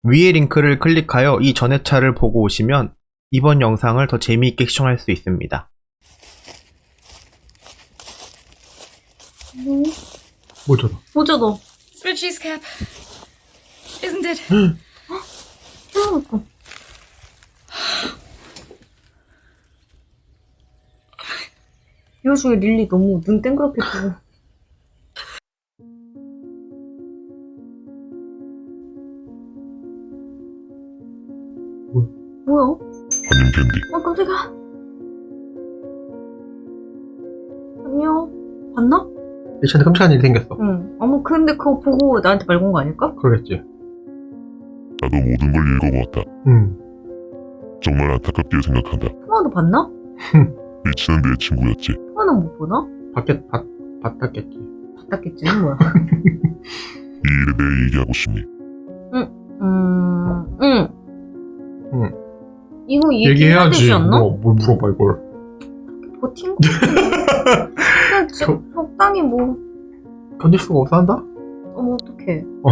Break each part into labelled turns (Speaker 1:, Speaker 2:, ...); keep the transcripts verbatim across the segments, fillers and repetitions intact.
Speaker 1: 위의 링크를 클릭하여 이 전회차를 보고 오시면 이번 영상을 더 재미있게 시청할 수 있습니다.
Speaker 2: 뭐?
Speaker 1: 뭐죠?
Speaker 2: 뭐죠 너?
Speaker 3: It's Richie's cap. Isn't it?
Speaker 2: 태어났다. 이 와중에 릴리 너무 눈 땡그랗게 뜨고.
Speaker 1: 뭐야?
Speaker 2: 뭐야?
Speaker 4: 안녕 캔디.
Speaker 2: 어 깜짝이야. 안녕. 봤나?
Speaker 1: 예전에 끔찍한 일이 생겼어.
Speaker 2: 응. 어머 근데 그거 보고 나한테 말 건 거 아닐까?
Speaker 1: 그러겠지.
Speaker 4: 나도 모든 걸 읽어보았다.
Speaker 1: 응.
Speaker 4: 정말 안타깝게 생각한다.
Speaker 2: 통화도 봤나?
Speaker 4: 리치는 내 친구였지.
Speaker 2: 통화는 못 보나?
Speaker 1: 밖에 봤, 봤다겠지.
Speaker 2: 봤다겠지 뭐야.
Speaker 4: 이 일에 대해 얘기하고 싶니?
Speaker 2: 음... 응.
Speaker 1: 응.
Speaker 2: 이거 얘기해야 되지 않나?
Speaker 1: 뭐, 뭘 물어봐 이걸.
Speaker 2: 버틴 거 같은데. 그냥 적, 적당히 뭐...
Speaker 1: 견딜 수가 없어 한다?
Speaker 2: 어머 어떡해.
Speaker 1: 어.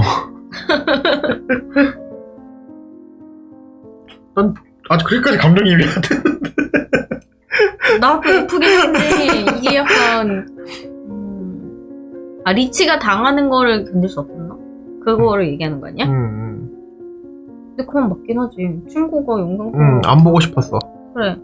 Speaker 1: 난 아직 그렇게까지 감정이입이 안 되는데.
Speaker 2: 나도 예쁘긴 한데 이게 약간 음... 아 리치가 당하는 거를 견딜 수 없었나? 그거를 얘기하는 거 아니야?
Speaker 1: 응, 응.
Speaker 2: 근데 그건 맞긴 하지. 친구가 영상 보고
Speaker 1: 응, 안 보고 싶었어.
Speaker 2: 그래.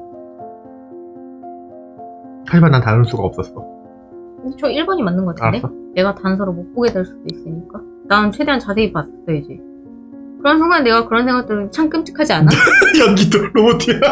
Speaker 1: 하지만 난 다른 수가 없었어.
Speaker 2: 근데 저 일 번이 맞는 거 같은데?
Speaker 1: 알았어.
Speaker 2: 내가 단서를 못 보게 될 수도 있으니까 난 최대한 자세히 봤어야지. 그런 순간 내가 그런 생각들은 참 끔찍하지 않아?
Speaker 1: 연기도 로봇이야.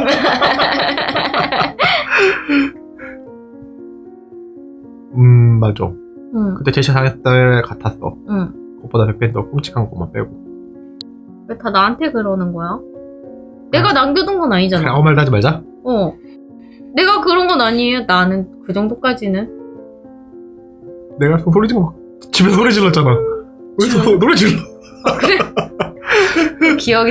Speaker 1: 음, 맞아.
Speaker 2: 응.
Speaker 1: 그때 제시어 당했을 때 같았어.
Speaker 2: 응.
Speaker 1: 그것보다 백 배 더 끔찍한 것만 빼고.
Speaker 2: 왜 다 나한테 그러는 거야? 내가 남겨둔 건
Speaker 1: 그래,
Speaker 2: 아니잖아.
Speaker 1: 아무 말도 하지 말자.
Speaker 2: 어. 내가 그런 건 아니에요. 나는 그 정도까지는.
Speaker 1: 내가 소리 지르고 막 집에서 소리 질렀잖아. 어디서
Speaker 2: 지금?
Speaker 1: 노래 질러?
Speaker 2: 아, 그래? 기억이.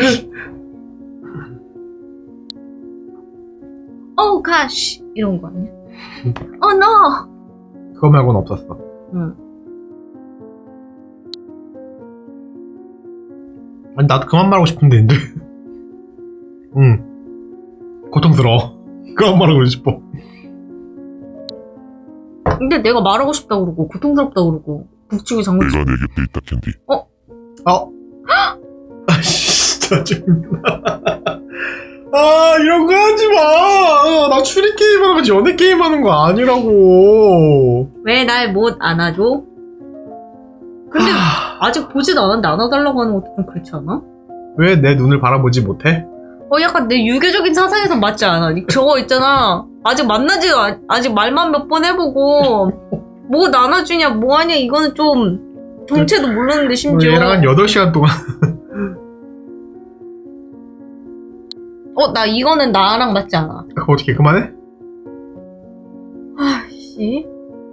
Speaker 2: Oh gosh 이런 거 아니야? Oh no.
Speaker 1: 그거 말고는 없었어.
Speaker 2: 응.
Speaker 1: 아니 나도 그만 말하고 싶은데 인데. 응. 고통스러워. 그만 말하고 싶어.
Speaker 2: 근데 내가 말하고 싶다 그러고 고통스럽다 그러고 북치고 장구
Speaker 4: 내가 내 곁에 있다 캔디.
Speaker 1: 어? 아 진짜 짜증나. 아 이런 거 하지 마. 나 추리 게임 하는 거지 연애 게임 하는 거 아니라고.
Speaker 2: 왜 날 못 안아줘? 근데 아직 보지도 않았는데 안아달라고 하는 것도 좀 그렇지 않아?
Speaker 1: 왜 내 눈을 바라보지 못해?
Speaker 2: 어 약간 내 유교적인 사상에선 맞지 않아? 저거 있잖아. 아직 만나지도 아, 아직 말만 몇 번 해보고 뭐 안아주냐 뭐하냐 이거는 좀 정체도 모르는데 심지어.
Speaker 1: 얘랑 한 여덟 시간 동안.
Speaker 2: 어 나 이거는 나랑 맞지 않아.
Speaker 1: 그거 어떻게 그만해?
Speaker 2: 아씨.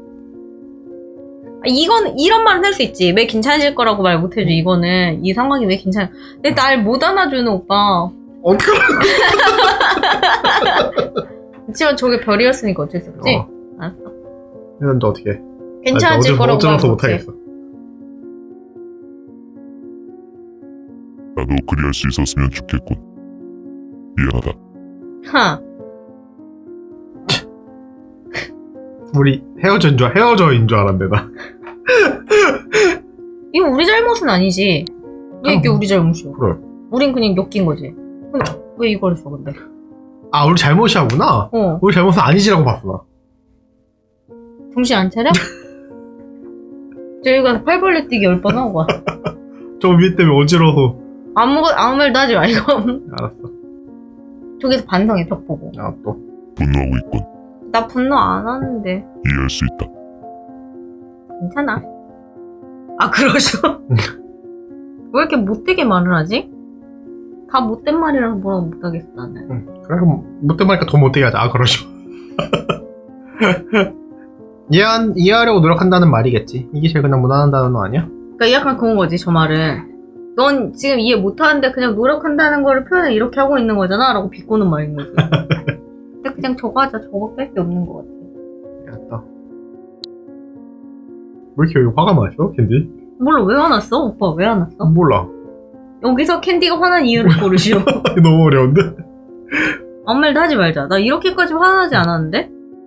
Speaker 2: 아, 이건 이런 말은 할 수 있지. 왜 괜찮으실 거라고 말 못해줘. 이거는 이 상황이 왜 괜찮아? 근데 날 못 안아주는 오빠.
Speaker 1: 어떡하라고.
Speaker 2: 그치만 저게 별이었으니까 어쩔 수 없지.
Speaker 1: 어.
Speaker 2: 알았어.
Speaker 1: 이건 또 어떻게 해?
Speaker 2: 괜찮아질 거라고 말
Speaker 1: 어쩌면서
Speaker 2: 못해.
Speaker 1: 못하겠어.
Speaker 4: 나도 그리할 수 있었으면 좋겠군. 미안하다.
Speaker 2: 하.
Speaker 1: 우리 헤어져인 줄 헤어져인 줄 알았는데 나.
Speaker 2: 이거 우리 잘못은 아니지. 왜 이게
Speaker 1: 어.
Speaker 2: 우리 잘못이야?
Speaker 1: 그래.
Speaker 2: 우린 그냥 엮인 거지. 근데 왜 이걸 했어 근데?
Speaker 1: 아 우리 잘못이야구나.
Speaker 2: 어.
Speaker 1: 우리 잘못은 아니지라고 봤어 나.
Speaker 2: 정신 안 차려? 저희가 팔벌레 뛰기 열 번 하고 와.
Speaker 1: 저 위에 때문에 어지러워서.
Speaker 2: 아무 아무 말도 하지 말고.
Speaker 1: 알았어.
Speaker 2: 저기서 반성해 벽 보고.
Speaker 1: 아 또.
Speaker 4: 분노하고 있군.
Speaker 2: 나 분노 안 하는데.
Speaker 4: 이해할 수 있다.
Speaker 2: 괜찮아. 아 그러셔? 왜 이렇게 못되게 말을 하지? 다 못된 말이라서 뭐라고 못하겠어 나는.
Speaker 1: 응. 그래 그럼 못된 말니까 더 못되게 하자. 아 그러죠. 이해한, 이해하려고 노력한다는 말이겠지. 이게 제일 그냥 무난한 단어 아니야?
Speaker 2: 그러니까 약간 그런 거지 저 말은. 넌 지금 이해 못하는데 그냥 노력한다는 거를 표현을 이렇게 하고 있는 거잖아 라고 비꼬는 말인 거지. 근데 그냥 저거 하자. 저거밖에 할 게 없는 것 같아.
Speaker 1: 알았다. 왜 이렇게 여기 화가 나있어 캔디?
Speaker 2: 몰라 왜 화났어? 오빠 왜 화났어?
Speaker 1: 몰라.
Speaker 2: 여기서 캔디가 화난 이유를 고르시오.
Speaker 1: 너무 어려운데?
Speaker 2: 아무 말도 하지 말자. 나 이렇게까지 화나지 않았는데?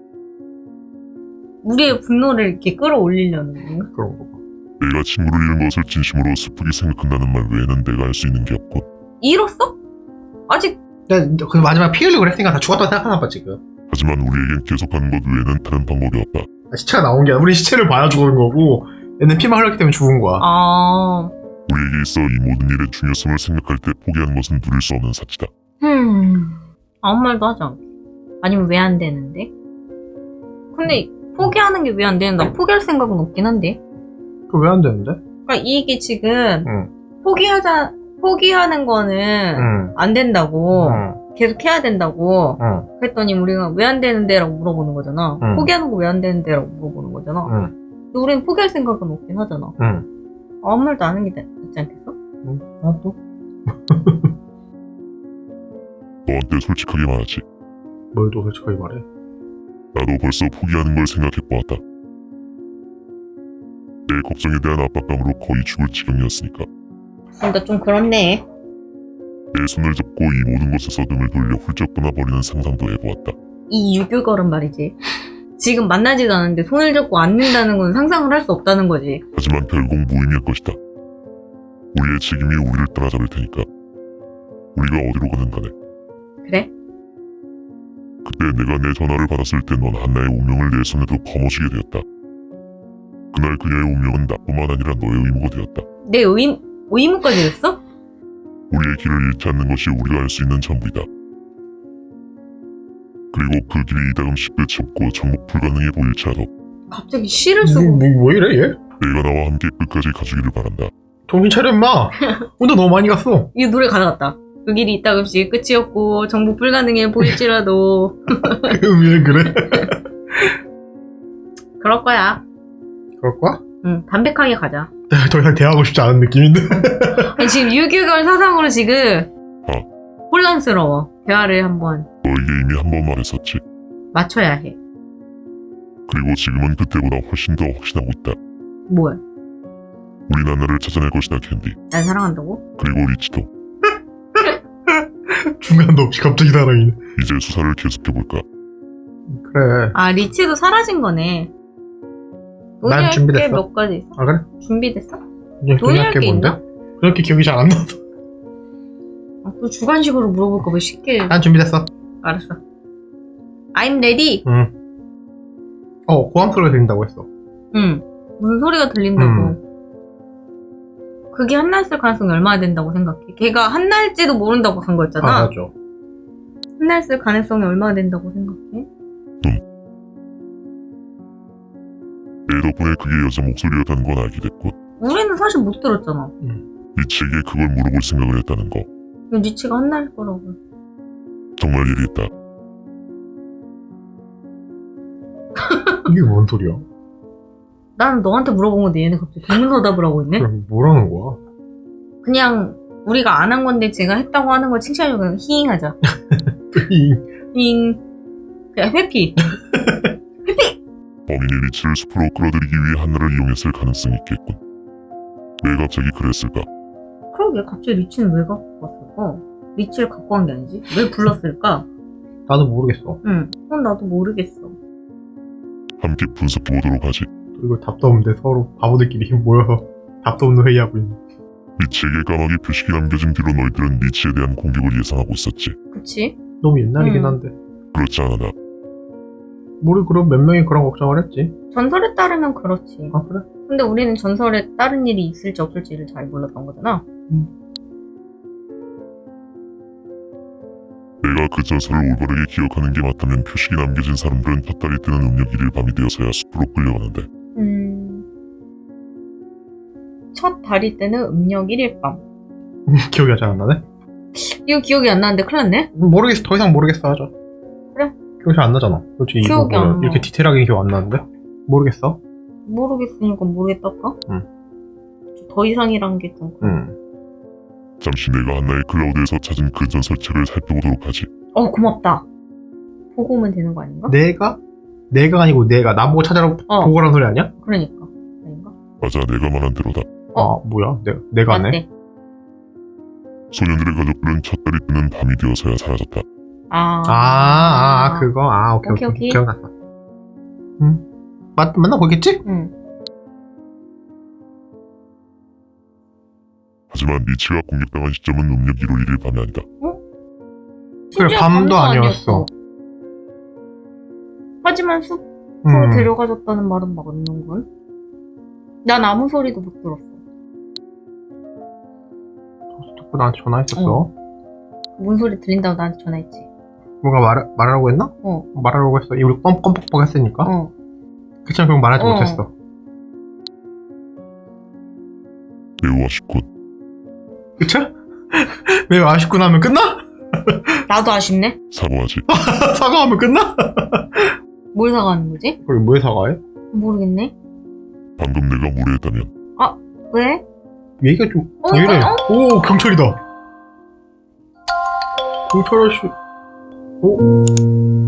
Speaker 2: 우리의 분노를 이렇게 끌어올리려는 건가?
Speaker 1: 그런 거 봐.
Speaker 4: 내가 친구를 잃은 것을 진심으로 슬프게 생각한다는 말 외에는 내가 할 수 있는 게 없고
Speaker 2: 잃었어? 아직
Speaker 1: 내가 그 마지막 피 흘리고 그랬으니까 다 죽었다고 생각하나 봐 지금.
Speaker 4: 하지만 우리에겐 계속하는 것 외에는 다른 방법이 없다.
Speaker 1: 아, 시체가 나온 게 아니라 우리 시체를 봐야 죽은 거고 얘는 피만 흘렸기 때문에 죽은 거야.
Speaker 2: 아...
Speaker 4: 우리에게 있어 이 모든 일의 중요성을 생각할 때 포기하는 것은 누릴 수 없는 사치다.
Speaker 2: 흠... 아무 말도 하지 않게. 아니면 왜 안 되는데? 근데 포기하는 게 왜 안 되는? 나 포기할 생각은 없긴 한데.
Speaker 1: 그거 왜 안 되는데?
Speaker 2: 그러니까 이게 지금
Speaker 1: 응.
Speaker 2: 포기하자 포기하는 거는
Speaker 1: 응.
Speaker 2: 안 된다고
Speaker 1: 응.
Speaker 2: 계속 해야 된다고
Speaker 1: 응.
Speaker 2: 그랬더니 우리가 왜 안 되는데라고 물어보는 거잖아.
Speaker 1: 응.
Speaker 2: 포기하는 거 왜 안 되는데라고 물어보는 거잖아.
Speaker 1: 응.
Speaker 2: 근데 우리는 포기할 생각은 없긴 하잖아.
Speaker 1: 응.
Speaker 2: 아무 말도 안 하는 게 낫지 않겠어?
Speaker 1: 응. 아 또?
Speaker 4: 너한테 솔직하게 말하지.
Speaker 1: 뭘 또 솔직하게 말해?
Speaker 4: 나도 벌써 포기하는 걸 생각해보았다. 내 걱정에 대한 압박감으로 거의 죽을 지경이었으니까.
Speaker 2: 그러니까 좀 그렇네.
Speaker 4: 내 손을 잡고 이 모든 것에서 등을 돌려 훌쩍 떠나버리는 상상도 해보았다.
Speaker 2: 이 유교걸은 말이지. 지금 만나지도 않았는데 손을 잡고 앉는다는 건 상상을 할 수 없다는 거지.
Speaker 4: 하지만 결국 무의미할 것이다. 우리의 책임이 우리를 따라잡을 테니까. 우리가 어디로 가든 간에.
Speaker 2: 그래?
Speaker 4: 그때 내가 내 전화를 받았을 때 넌 한나의 운명을 내 손에도 거머쥐게 되었다. 그날 그녀의 운명은 나뿐만 아니라 너의 의무가 되었다.
Speaker 2: 내 의무, 의무까지 됐어?
Speaker 4: 우리의 길을 잃지 않는 것이 우리가 할 수 있는 전부이다. 그리고 그 길이 이다금씩 끝이 없고 정복 불가능해 보일지라도
Speaker 2: 갑자기 시를
Speaker 1: 뭐,
Speaker 2: 쓰고.
Speaker 1: 뭐, 뭐 이래 얘?
Speaker 4: 내가 나와 함께 끝까지 가주기를 바란다.
Speaker 1: 정신 차려 임마. 혼자 너무 많이 갔어.
Speaker 2: 이 노래 가져갔다. 그 길이 있다금씩 끝이 없고 정복 불가능해 보일지라도.
Speaker 1: 왜 그래?
Speaker 2: 그럴 거야.
Speaker 1: 그럴 거야?
Speaker 2: 응, 담백하게 가자.
Speaker 1: 내가 더 이상 대화하고 싶지 않은 느낌인데.
Speaker 2: 아니, 지금 유교걸 사상으로 지금
Speaker 4: 어.
Speaker 2: 혼란스러워. 대화를 한번
Speaker 4: 너에게 이미 한 번 말했었지.
Speaker 2: 맞춰야 해.
Speaker 4: 그리고 지금은 그때보다 훨씬 더 확신하고 있다.
Speaker 2: 뭐야?
Speaker 4: 우리 나나를 찾아낼 것이다, 캔디.
Speaker 2: 날 사랑한다고?
Speaker 4: 그리고 리치도.
Speaker 1: 중간도 없이 갑자기 사랑이네.
Speaker 4: 이제 수사를 계속해볼까?
Speaker 1: 그래.
Speaker 2: 아, 리치도 사라진 거네.
Speaker 1: 난 준비됐어.
Speaker 2: 몇 가지 있어?
Speaker 1: 아 그래?
Speaker 2: 준비됐어?
Speaker 1: 그냥
Speaker 2: 논의할 게
Speaker 1: 뭔데?
Speaker 2: 있나?
Speaker 1: 그렇게 기억이 잘 안 나서.
Speaker 2: 아, 또 주관식으로 물어볼까 봐 쉽게.
Speaker 1: 난 준비됐어.
Speaker 2: 알았어. I'm ready.
Speaker 1: 응. 어 고함 소리가 들린다고 했어.
Speaker 2: 응. 무슨 소리가 들린다고.
Speaker 1: 음.
Speaker 2: 그게 한날 쓸 가능성이 얼마나 된다고 생각해? 걔가 한날지도 모른다고 간 거였잖아.
Speaker 1: 아 맞아.
Speaker 2: 한날 쓸 가능성이 얼마나 된다고 생각해?
Speaker 4: 내 덕분에 그게 여자 목소리였다는 건 알게 됐고
Speaker 2: 우리는 사실 못 들었잖아.
Speaker 4: 리치에게 그걸 물어볼 생각을 했다는 거.
Speaker 2: 이건 리치가 한날 거라고.
Speaker 4: 정말 예리했다.
Speaker 1: 이게 뭔 소리야?
Speaker 2: 나는 너한테 물어본 건데 얘네 갑자기 동문서답을 하고 있네?
Speaker 1: 그럼 뭐라는 거야?
Speaker 2: 그냥 우리가 안 한 건데 제가 했다고 하는 걸 칭찬해주고 그냥 히잉 하자. 히잉. 그냥 회피. 회피!
Speaker 4: 범인이 리치를 숲으로 끌어들이기 위해 한나를 이용했을 가능성이 있겠군. 왜 갑자기 그랬을까?
Speaker 2: 그러게 갑자기 리치는 왜 갖고 왔을까? 리치를 갖고 간 게 아니지? 왜 불렀을까?
Speaker 1: 나도 모르겠어.
Speaker 2: 응, 그건 나도 모르겠어.
Speaker 4: 함께 분석해보도록 하지.
Speaker 1: 이거 답도 없는데 서로 바보들끼리 모여서 답도 없는 회의하고 있는.
Speaker 4: 리치에게 까마귀 표식이 남겨진 뒤로 너희들은 리치에 대한 공격을 예상하고 있었지.
Speaker 2: 그치?
Speaker 1: 너무 옛날이긴
Speaker 2: 음.
Speaker 1: 한데.
Speaker 4: 그렇지 않아 나.
Speaker 1: 우리 그럼 몇 명이 그런 걱정을 했지.
Speaker 2: 전설에 따르면 그렇지.
Speaker 1: 아 그래?
Speaker 2: 근데 우리는 전설에 다른 일이 있을지 없을지를 잘 몰랐던 거잖아.
Speaker 4: 내가 그 전설을 올바르게 기억하는 게 맞다면 표식이 남겨진 사람들은 헛다리 뜨는 음력 일일 밤이 되어서야 숲으로 끌려가는데
Speaker 2: 음... 첫 달이 때는 음력 일 일 밤.
Speaker 1: 기억이 잘 안 나네?
Speaker 2: 이거 기억이 안 나는데 큰일 났네?
Speaker 1: 모르겠어. 더 이상 모르겠어 하자.
Speaker 2: 그래.
Speaker 1: 기억이 잘 안 나잖아. 솔직히 이거
Speaker 2: 기억이 안
Speaker 1: 보면
Speaker 2: 나.
Speaker 1: 이렇게 디테일하게 기억 안 나는데? 모르겠어.
Speaker 2: 모르겠으니까 모르겠다까?
Speaker 1: 응.
Speaker 2: 더 이상이란 게 좀.
Speaker 1: 응.
Speaker 4: 잠시 내가 한나의 클라우드에서 찾은 그 전설책을 살펴보도록 하지.
Speaker 2: 어, 고맙다. 보고 오면 되는 거 아닌가?
Speaker 1: 내가? 내가 아니고 내가 나보고 찾아라
Speaker 2: 어.
Speaker 1: 보고라는 소리 아니야?
Speaker 2: 그러니까. 아닌가?
Speaker 4: 맞아 내가 말한 대로다.
Speaker 1: 아 뭐야? 내가 내가 안 해?
Speaker 2: 맞대.
Speaker 4: 소년들의 가족들은 첫 달이 뜨는 밤이 되어서야 사라졌다.
Speaker 2: 아.
Speaker 1: 아, 아, 아 그거 아 오케이
Speaker 2: 오케이,
Speaker 1: 오케이,
Speaker 2: 오케이.
Speaker 1: 기억났어. 응 맞 맞나 보겠지?
Speaker 2: 응.
Speaker 4: 하지만 리치가 공격당한 시점은 음력 일월 일일 밤이 아니다.
Speaker 1: 그래
Speaker 2: 심지어
Speaker 1: 밤도 아니었어.
Speaker 2: 하지만 숲으로
Speaker 1: 음.
Speaker 2: 데려가줬다는 말은 맞는 걸? 난 아무 소리도 못 들었어.
Speaker 1: 자꾸 나한테 전화했었어.
Speaker 2: 어. 뭔 소리 들린다고 나한테 전화했지.
Speaker 1: 뭔가 말 말하라고 했나?
Speaker 2: 어.
Speaker 1: 말하라고 했어. 우리 껌껌뻑뻑 했으니까.
Speaker 2: 어.
Speaker 1: 그치만 그건 말하지
Speaker 2: 어.
Speaker 1: 못했어.
Speaker 4: 매우 아쉽군.
Speaker 1: 그쵸? 왜 아쉽구나 하면 끝나?
Speaker 2: 나도 아쉽네.
Speaker 4: 사과하지.
Speaker 1: 사과하면 끝나?
Speaker 2: 뭘 사가는 거지?
Speaker 1: 그래 왜 사과해?
Speaker 2: 모르겠네.
Speaker 4: 방금 내가 무례했다면
Speaker 2: 왜?
Speaker 1: 얘기가 좀
Speaker 2: 어,
Speaker 1: 왜 이래?
Speaker 2: 어?
Speaker 1: 오 경찰이다. 경찰 아저씨. 오